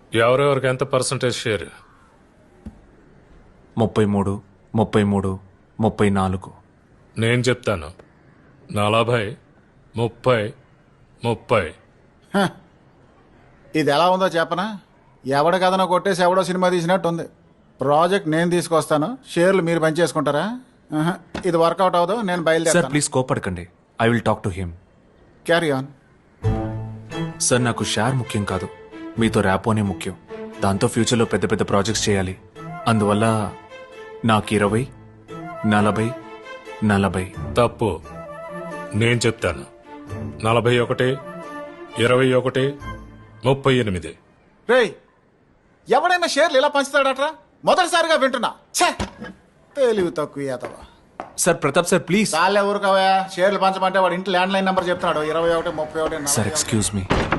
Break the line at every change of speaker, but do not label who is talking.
ఎవరెవరికి ఎంత percentage share?
33, 33, 34.
నేను చెప్తాను 40, 30, 30.
ఇది ఎలా ఉందో చెప్పనా? ఎవడ కథనో కొట్టేసి ఎవడో సినిమా తీసినట్టు ఉంది. ప్రాజెక్ట్ నేను తీసుకొస్తాను, షేర్లు మీరు పనిచేసుకుంటారా? ఇది వర్కౌట్ అవ్వదు, నేను
సార్
బయలుదేరాను.
ప్లీజ్ కోపడకండి. I will talk to him.
Carry on.
Sir నాకు షేర్ ముఖ్యం కాదు, మీతో ర్యాపోనే ముఖ్యం. దాంతో ఫ్యూచర్లో పెద్ద పెద్ద ప్రాజెక్ట్స్ చేయాలి. అందువల్ల నాకు 20, 40, 40.
తప్పు. నేను చెప్తాను 41, 21, 38.
రేయ్, ఎవడైనా షేర్లు ఇలా పంచుతాడట్రా? మొదటిసారిగా వింటున్నా. ఛే, తెలివి తక్కువ ఏతవా.
Sir Pratap sir please.
చాలే ఊరుకోవా. షేర్లు పంచమంటే వాడు ఇంటి ల్యాండ్ లైన్ నెంబర్ చెప్తున్నాడు. 21, 31,
సార్ ఎక్స్క్యూజ్ మీ.